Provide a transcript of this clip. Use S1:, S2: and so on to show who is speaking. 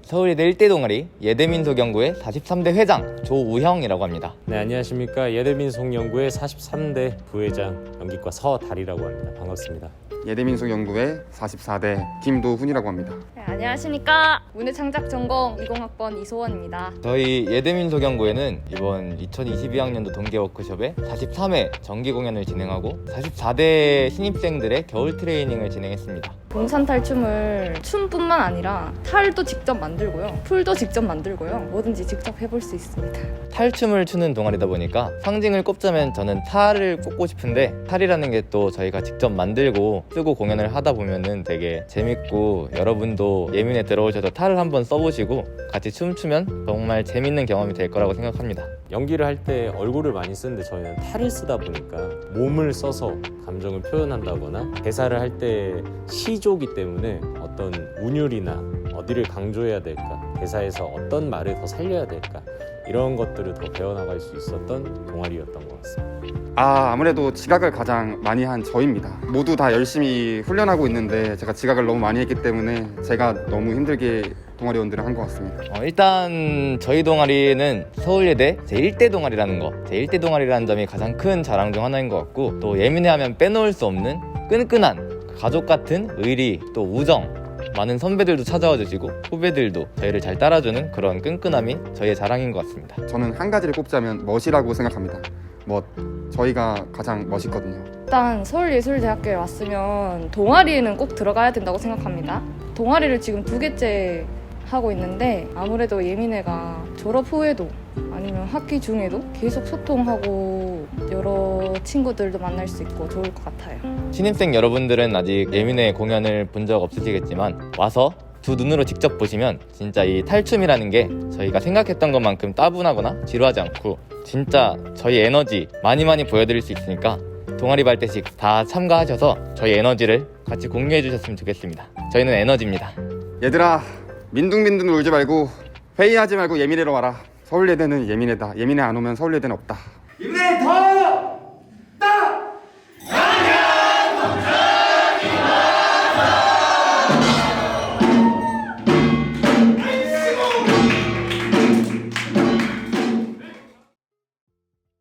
S1: 서울예대 1대 동아리 예대민속연구회 43대 회장 조우형이라고 합니다.
S2: 네, 안녕하십니까. 예대민속연구회 43대 부회장 연기과 서달이라고 합니다. 반갑습니다.
S3: 예대민속연구회 44대 김도훈이라고 합니다.
S4: 네, 안녕하십니까. 문해창작전공 20학번 이소원입니다.
S1: 저희 예대민속연구회는 이번 2022학년도 동계워크숍에 43회 정기 공연을 진행하고 44대 신입생들의 겨울 트레이닝을 진행했습니다.
S4: 동산탈춤을 춤뿐만 아니라 탈도 직접 만들고요, 풀도 직접 만들고요, 뭐든지 직접 해볼 수 있습니다.
S1: 탈춤을 추는 동아리다 보니까 상징을 꼽자면 저는 탈을 꼽고 싶은데, 탈이라는 게 또 저희가 직접 만들고 쓰고 공연을 하다 보면은 되게 재밌고, 여러분도 예민에 들어오셔서 탈을 한번 써보시고 같이 춤추면 정말 재밌는 경험이 될 거라고 생각합니다.
S2: 연기를 할 때 얼굴을 많이 쓰는데 저희는 탈을 쓰다 보니까 몸을 써서 감정을 표현한다거나, 대사를 할 때 시조기 때문에 어떤 운율이나 어디를 강조해야 될까, 대사에서 어떤 말을 더 살려야 될까, 이런 것들을 더 배워나갈 수 있었던 동아리였던 것 같습니다.
S3: 아무래도 지각을 가장 많이 한 저입니다. 모두 다 열심히 훈련하고 있는데 제가 지각을 너무 많이 했기 때문에 제가 너무 힘들게 동아리원들을 한 것 같습니다.
S1: 일단 저희 동아리는 서울예대 제1대 동아리라는 거, 제1대 동아리라는 점이 가장 큰 자랑 중 하나인 것 같고, 또 예민해하면 빼놓을 수 없는 끈끈한 가족 같은 의리, 또 우정, 많은 선배들도 찾아와 주시고 후배들도 저희를 잘 따라주는 그런 끈끈함이 저희의 자랑인 것 같습니다.
S3: 저는 한 가지를 꼽자면 멋이라고 생각합니다. 저희가 가장 멋있거든요.
S4: 일단 서울예술대학교에 왔으면 동아리에는 꼭 들어가야 된다고 생각합니다. 동아리를 지금 2개째 하고 있는데, 아무래도 예민애가 졸업 후에도 아니면 학기 중에도 계속 소통하고 여러 친구들도 만날 수 있고 좋을 것 같아요.
S1: 신입생 여러분들은 아직 예민의 공연을 본 적 없으시겠지만 와서 두 눈으로 직접 보시면 진짜 이 탈춤이라는 게 저희가 생각했던 것만큼 따분하거나 지루하지 않고, 진짜 저희 에너지 많이 보여드릴 수 있으니까 동아리 발대식 다 참가하셔서 저희 에너지를 같이 공유해 주셨으면 좋겠습니다. 저희는 에너지입니다.
S3: 얘들아, 민둥민둥 울지 말고 회의하지 말고 예민해로 와라. 서울예대는 예민해다. 예민해 안 오면 서울예대는 없다.
S5: 예민해 더!